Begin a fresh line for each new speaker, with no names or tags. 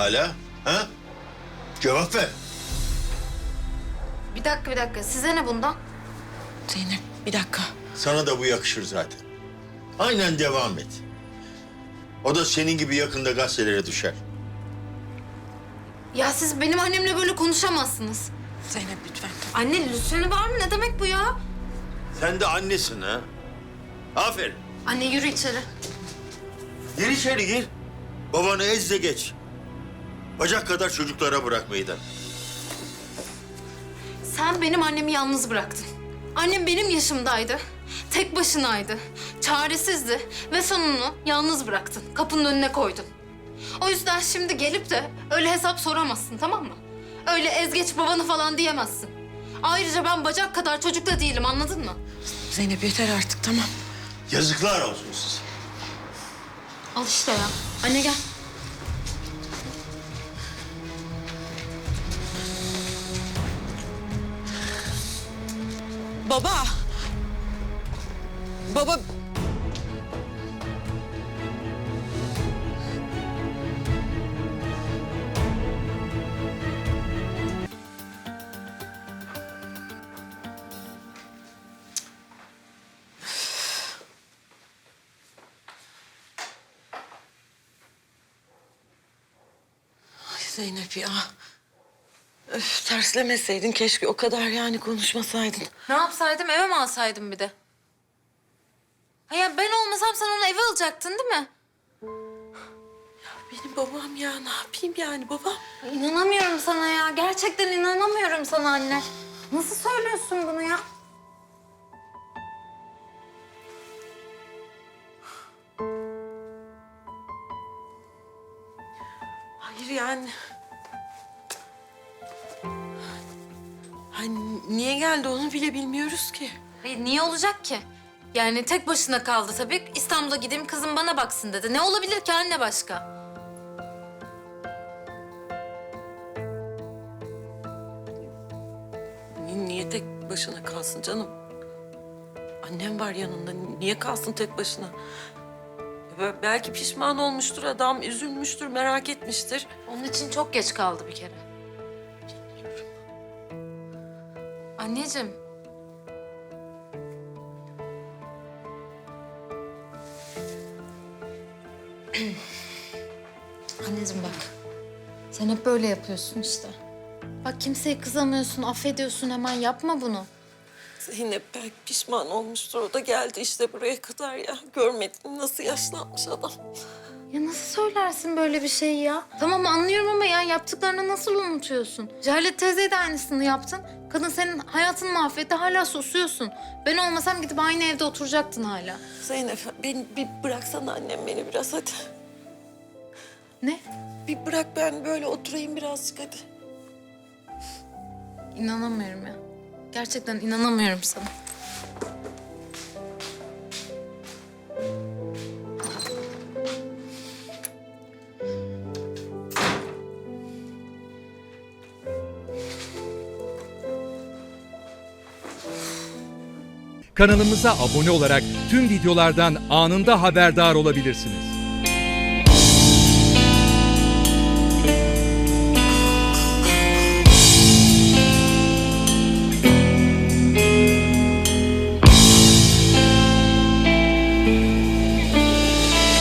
hala? Ha? Cevap ver.
Bir dakika. Size ne bundan?
Zeynep bir dakika.
Sana da bu yakışır zaten. Aynen devam et. O da senin gibi yakında gazetelere düşer.
Ya siz benim annemle böyle konuşamazsınız.
Zeynep lütfen.
Anne lütfeni var mı? Ne demek bu ya?
Sen de annesin ha. Aferin.
Anne yürü içeri.
Gir içeri gir. Babanı ez de geç. Bacak kadar çocuklara bırak meydan.
Sen benim annemi yalnız bıraktın. Annem benim yaşımdaydı. Tek başınaydı. Çaresizdi. Ve sonunu yalnız bıraktın. Kapının önüne koydun. O yüzden şimdi gelip de öyle hesap soramazsın, tamam mı? Öyle ezgeç babanı falan diyemezsin. Ayrıca ben bacak kadar çocuk da değilim, anladın mı?
Zeynep yeter artık tamam.
Yazıklar olsun size.
Al işte ya. Anne gel.
Baba. Baba. Ay Zeynep ya. Öf, terslemeseydin keşke o kadar yani konuşmasaydın.
Ne yapsaydım, eve mi alsaydım bir de? Ha ya ben olmasam sen onu eve alacaktın değil mi?
Benim babam ya ne yapayım yani babam?
İnanamıyorum sana ya. Gerçekten inanamıyorum sana anne. Nasıl söylüyorsun bunu ya?
Hayır yani. Hani niye geldi onu bile bilmiyoruz ki.
Niye olacak ki? Yani tek başına kaldı tabii. İstanbul'a gideyim kızım bana baksın dedi. Ne olabilir ki anne başka?
Niye tek başına kalsın canım? Annem var yanında. Niye kalsın tek başına? Belki pişman olmuştur adam, üzülmüştür, merak etmiştir.
Onun için çok geç kaldı bir kere. Anneciğim. Anneciğim bak. Sen hep böyle yapıyorsun işte. Bak kimseye kızamıyorsun, affediyorsun hemen. Yapma bunu.
Zeynep belki pişman olmuştur. O da geldi işte buraya kadar ya. Görmedin mi nasıl yaşlanmış adam.
Ya nasıl söylersin böyle bir şeyi ya? Tamam anlıyorum ama ya yaptıklarını nasıl unutuyorsun? Cehalet teyzeye de aynısını yaptın. Kadın senin hayatını mahvetti, hala susuyorsun. Ben olmasam gidip aynı evde oturacaktın hala.
Zeynep beni bir bıraksana annem beni biraz hadi.
Ne?
Bir bırak ben böyle oturayım birazcık hadi.
İnanamıyorum ya. Gerçekten inanamıyorum sana.
Kanalımıza abone olarak tüm videolardan anında haberdar olabilirsiniz.